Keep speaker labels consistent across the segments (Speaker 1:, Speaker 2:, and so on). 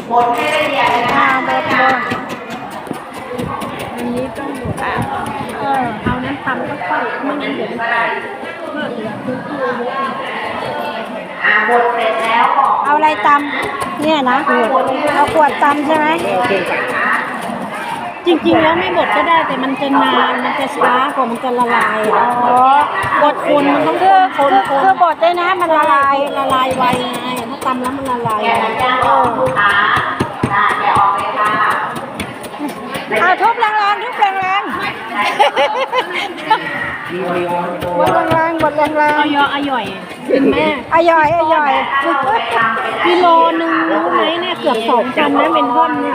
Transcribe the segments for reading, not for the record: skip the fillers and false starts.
Speaker 1: บดให้ละเอียดเลยนะคะ
Speaker 2: บด
Speaker 3: อันนี้ต้องบดเอานั้นทำก็ค่อยไม่งั้นเดี๋ยวมันแตกเพื่อเหลือพื้นที่เยอะ
Speaker 1: บดเสร็จแล้วบอก
Speaker 2: เอาอะไรตำเนี่ยนะเอาขวดตำใช่ไหม
Speaker 3: จริงๆแล้วไม่บดก็ได้แต่มันจะนานมันจะช้ากว่ามันจะละลายบดคนมันต้อง
Speaker 2: คือบดได้นะมันละลาย
Speaker 3: ไวไงถ้าตำแล้วมันละลาย
Speaker 1: ลูกค้าแกะออกเลยค่ะ
Speaker 2: เอาทุบแรงๆทุบแรงๆบดแรงๆบดแรงๆ
Speaker 3: อย่อยเป็นแม่
Speaker 2: ย่อย
Speaker 3: กิโลนึงรู้ไหมเนี่ยเกือบ2,000นะเป็นท่อนเนี่ย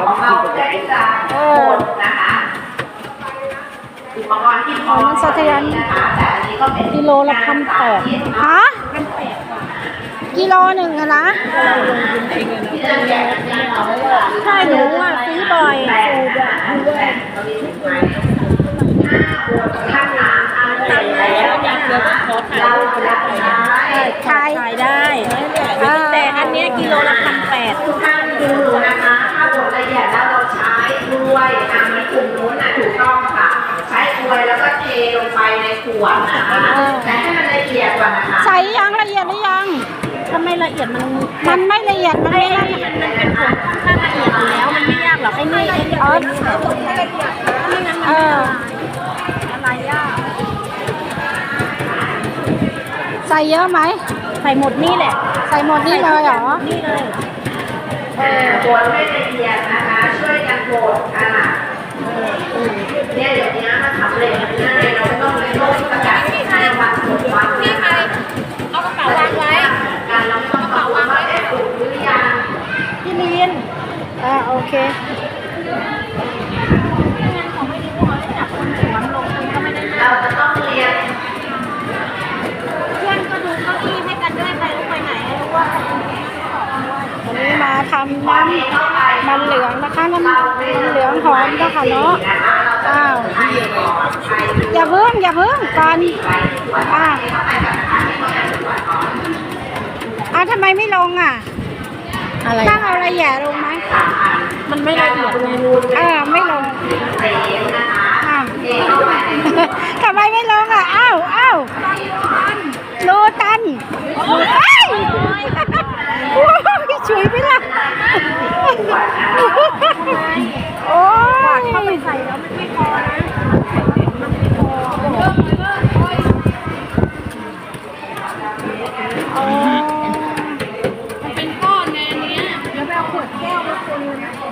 Speaker 2: มันสะเทือน
Speaker 3: กิโลละ1,800
Speaker 2: ฮะกิโลหนึ่งอะนะ
Speaker 3: ใช่หนูซื้อบ่อยขายได้แต่อันนี้กิโลละ1,800
Speaker 1: ทุกท่านดูนะคะถ้าบดละเอียดแล้วเราใช้ด้วยมีกลุ่มนู้นถูกต้องค่ะใช้ถ้วยแล้วก็เทลงไปในขวดนะคะแต่ให้มันละเอียดก่อนนะคะ
Speaker 2: ใส่ยังละเอียดหรือยัง
Speaker 3: ถ้าไม่ละเอียด
Speaker 2: มันไม่ละเอียดมันไม่ละเอียด
Speaker 3: มันเป็นผงถ้าละเอียดอยู่แล้วมันไม่ยากหรอกไอ้นี่ไม่งั้นอะไรยาก
Speaker 2: ใส่เยอะไหม
Speaker 3: ใส่หมดนี่แหละ
Speaker 2: ใส่หมดนี่เลยเหรอ
Speaker 3: นี่เลย
Speaker 1: บดให้ละเอียดนะคะช่วยกันบดเนี่ยเดี๋ยวนี้มันทำเร็วง่ายเราไม่ต้องเลยโลกประกาศให้วันบดวัน
Speaker 3: นี่ใครเอากระเป๋าวางไว้
Speaker 1: การเราต้องบอกว่าได้ปลูกหรือยัง
Speaker 3: พี่ลีน
Speaker 2: โอเค
Speaker 1: เราจะต้องเรียน
Speaker 3: เพื่อนก็ดูเก้าอี้ให้กันด้วยใครรู้ไปไหนรู้ว่า
Speaker 2: วันนี้มาทำน้ำมันเหลืองนะคะน้ำมันเหลืองหอมนะคะเนาะอย่าเพิ่งก่อนทำไมไม่ลงตั้งเอาอะไรแย่ลงไหม
Speaker 3: มันไม่ละเอียดไง
Speaker 2: ไม่ลงทำไมไม่ลงอ้าวรูตันพี่ฉุยไปละโอ้ย
Speaker 3: เข้าไปใส่แล้วมันไม่พอนะมันเป็นก้อนไงอันเนี้ยแล้วไปเอาขวดแก้วมาคนเลยนะ